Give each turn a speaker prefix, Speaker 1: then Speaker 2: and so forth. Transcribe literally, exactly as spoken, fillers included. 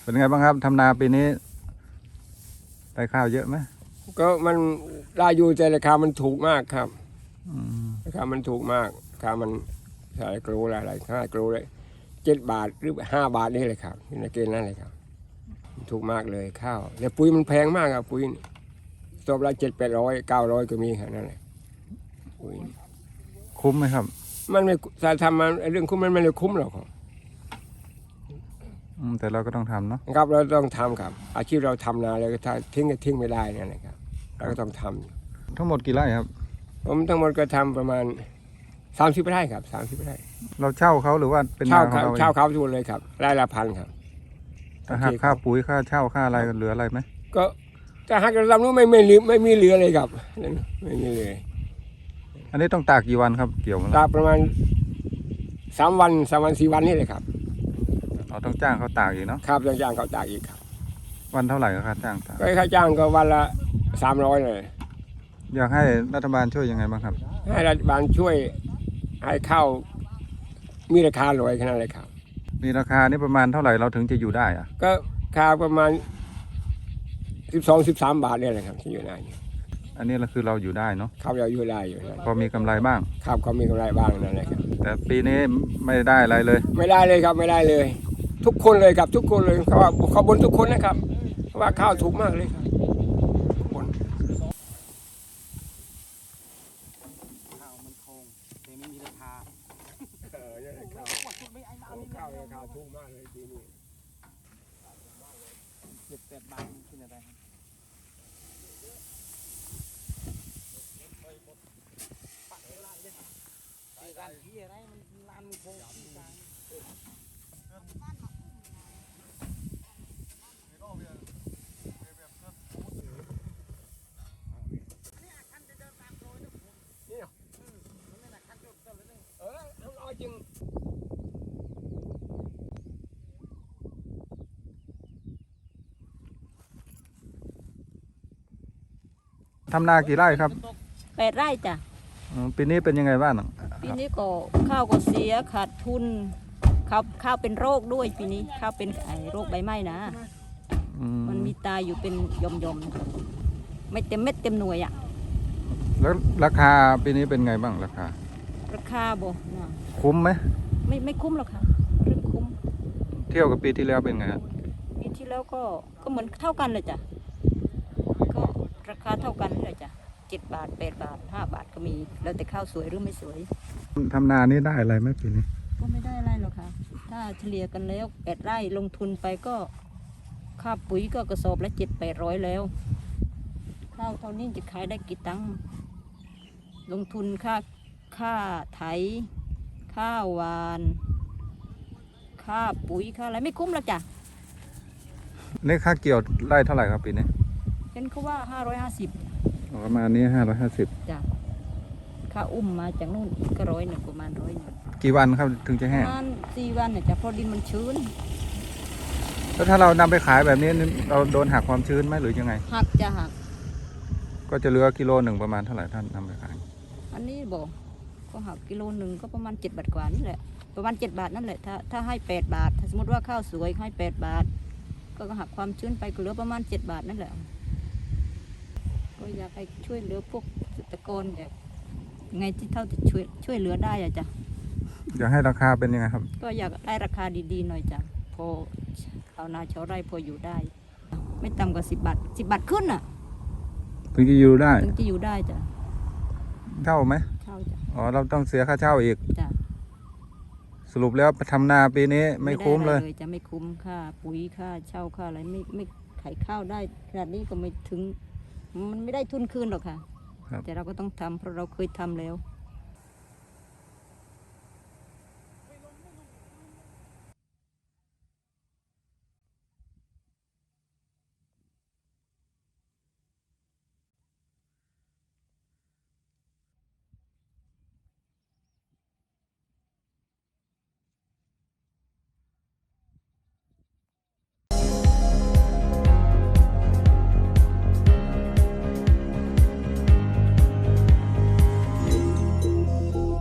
Speaker 1: เป็นไงบ้างครับทำนาปีนี้ได้ข้าวเยอะไหม
Speaker 2: ก็มันได้อยู่แต่ราคามันถูกมากครับ
Speaker 1: อืม
Speaker 2: ราคามันถูกมากราคามันใส่กรูอะไรห้ากรูเลยเจ็ดบาทหรือห้าบาทนี่เลยครับในเกณฑ์นั้นเลยครับถูกมากเลยข้าวแต่ปุ๋ยมันแพงมากครับปุ๋ยสอบละเจ็ดแปดร้อยเก้าร้อยก็มีครับนั่นแหละปุ๋ย
Speaker 1: คุ้มไหมครับ
Speaker 2: มันไม่ถ้าทำมันเรื่องคุ้มมันไม่ได้คุ้มหรอกครับ
Speaker 1: อืมแต่เราก็ต้องทำเนาะ
Speaker 2: ครับเราต้องทำครับอาชีพเราทำนาเลยถ้าทิ้งก็ทิ้งไม่ได้นั่นแหละครับเราก็ต้องทำ
Speaker 1: ทั้งหมดกี่ไร่ครับ
Speaker 2: ผมทั้งหมดก็ทำประมาณสามสิบไร่ครับสามสิบไร่
Speaker 1: เราเช่าเขาหรือว่าเป็น
Speaker 2: เช่า
Speaker 1: นาของเราเอง
Speaker 2: เช่าเขาทุกเลยครับไร่ละพันครับ
Speaker 1: ถ้าหักค่าปุ๋ยค่าเช่าค่าอะไรเหลืออะไรไหม
Speaker 2: ก็ถ้าหากเราทำนู้นไม่ไม่เหลือไม่มีเหลือเลยครับไม่มีเลย
Speaker 1: อันนี้ต้องตากกี่วันครับเกี่ยวมัน
Speaker 2: ตากประมาณสามวันสามวันสี่วันนี่เลยครับ
Speaker 1: เราต้องจ้างเขาตากอีกเนาะ
Speaker 2: ครับต้องจ้างเขาตากอีกครับ
Speaker 1: วันเท่าไหร่ก็ค่าจ้างตาก
Speaker 2: ก็ค่าจ้างก็วันละสามร้อยเลย
Speaker 1: อยากให้รัฐบาลช่วยยังไงบ้างครับ
Speaker 2: ให้รัฐบาลช่วยให้ข้าวมีราคาลอยขนาดเลยครับ
Speaker 1: มีราคานี่ประมาณเท่าไหร่เราถึงจะอยู่ได้อะ
Speaker 2: ก็ค่าประมาณสิบสองสิบสามบาทเนี่ยแหละครับที่อยู่ได้
Speaker 1: อันนี้เราคือเราอยู่ได้เนาะ
Speaker 2: เขาเราอยู่ได้อยู่นะ
Speaker 1: พอมีกำไรบ้าง
Speaker 2: ครับเขามีกำไรบ้างนั่นแหละครับ
Speaker 1: แต่ปีนี้ไม่ได้อะไรเลย
Speaker 2: ไม่ได้เลยครับไม่ได้เลย ทุกคนเลยครับทุกคนเลยเขาว่าเขาบนทุกคนนะครับเพราะว่าข้าวถูกมากเลยครับทุกคน
Speaker 3: ข้าวมันคงแต่ไม่มีราคา
Speaker 2: เออเนี่ยข้าวข้าวราคาถูกมากเลยปีนี้
Speaker 3: เจ็ดแปดบาทมันกินอะไรครับร้านที่อะไรมันร้านมันคงที่กลาง
Speaker 2: เออเอาจริง
Speaker 1: ทำนากี่ไร่ครับ
Speaker 4: แปดไร่จ้ะ
Speaker 1: อืมปีนี้เป็นยังไงบ้าง
Speaker 4: ปีนี้ก็ข้าวก็เสียขาดทุนข้าวข้าวเป็นโรคด้วยปีนี้ข้าวเป็นไอโรคใบไหม้นะ
Speaker 1: อืม
Speaker 4: มันมีตายอยู่เป็นยอมยอมๆไม่เต็มเม็ดเต็มหน่วยอะ
Speaker 1: แล้วราคาปีนี้เป็นไงบ้างราคา
Speaker 4: ราคาบ่นะ
Speaker 1: คุ้มไหม
Speaker 4: ไม่ไม่คุ้มหรอกค่ะเรื่องคุ้ม
Speaker 1: เที่ยวกับปีที่แล้วเป็นไงครับ
Speaker 4: ปีที่แล้วก็ก็เหมือนเท่ากันเลยจ้ะก็ราคาเท่ากันเลยจ้ะเจ็ดบาทแปดบาทห้าบาทก็มีแล้วแต่ข้าวสวยหรือไม่สวย
Speaker 1: ทำนานี่ได้อะไรไหมปีนี้
Speaker 4: ก็ไม่ได้อะไรหรอกค่ะ ถ้าเฉลี่ยกันแล้วแปดไร่ลงทุนไปก็ค่าปุ๋ยก็กระสอบละเจ็ดแปดร้อยแล้ว ข้าวเท่านี้จะขายได้กี่ตังค์ลงทุนค่าค่าไถค่าหวาน ค่าปุ๋ยค่าอะไรไม่คุ้มหรอกจ้ะ
Speaker 1: นี่ค่าเกี่ยวไร่เท่าไหร่ครับปีนี้
Speaker 4: เห็นเขาว่าห้าร้อยห้าสิบ
Speaker 1: ประมาณนี้ห้าร้อยห้าสิบ
Speaker 4: จ้ะค่าอุ้มมาจากนู่นอีกก็ร้อยหนึ่งประมาณร้อยหนึ่ง
Speaker 1: กี่วันครับถึงจะ
Speaker 4: ป
Speaker 1: แห้ง
Speaker 4: ระมาณสี่วันเนี่ยจ้ะเพราะดินมันชื้น
Speaker 1: แล้วถ้าเรานำไปขายแบบนี้เราโดนหักความชื้นไหมหรือยังไง
Speaker 4: หักจะหัก
Speaker 1: ก็จะเหลือกิโลหนึ่งประมาณเท่าไหร่ท่านนำไปขาย
Speaker 4: อันนี้บอกก็หักกิโลหนึ่งก็ประมาณเจ็ดบาทกว่านี่แหละประมาณเจ็ดบาทนั่นแหละถ้าถ้าให้แปดบาทถ้าสมมติว่าข้าวสวยให้แปดบาท ก็หักความชื้นไปก็เหลือประมาณเจ็ดบาทนั่นแหละก็อยากให้ช่วยเหลือพวกเกษตรกรแบบไงที่เท่าจะช่วยช่วยเหลือได้อะจ้ะ
Speaker 1: อยากให้ราคาเป็นยังไงครับ
Speaker 4: ก็อยากได้ราคาดีๆหน่อยจ้ะพอชาวนาชาวไร่พออยู่ได้ ไม่ต่ำกว่าสิบบาทสิบบาทขึ้นอ่ะ
Speaker 1: ถึงจะอยู่ได้
Speaker 4: ถึงจะอยู่ได้จ้ะ
Speaker 1: เช่าไหม
Speaker 4: เช่าจ้ะ
Speaker 1: อ๋อเราต้องเสียค่าเช่าอีก
Speaker 4: จ้ะ
Speaker 1: สรุปแล้วทำนาปีนี้ไม่คุ้มเลย
Speaker 4: ด้อะรจะไม่คุ้มค่าปุ๋ยค่าเช่าค่าอะไรไม่ไม่ขายข้าวได้ขนาดนี้ก็ไม่ถึง มันไม่ได้ทุนคืนหรอกค่ะ
Speaker 1: ครับ
Speaker 4: แต่เราก็ต้องทำเพราะเราเคยทำแล้ว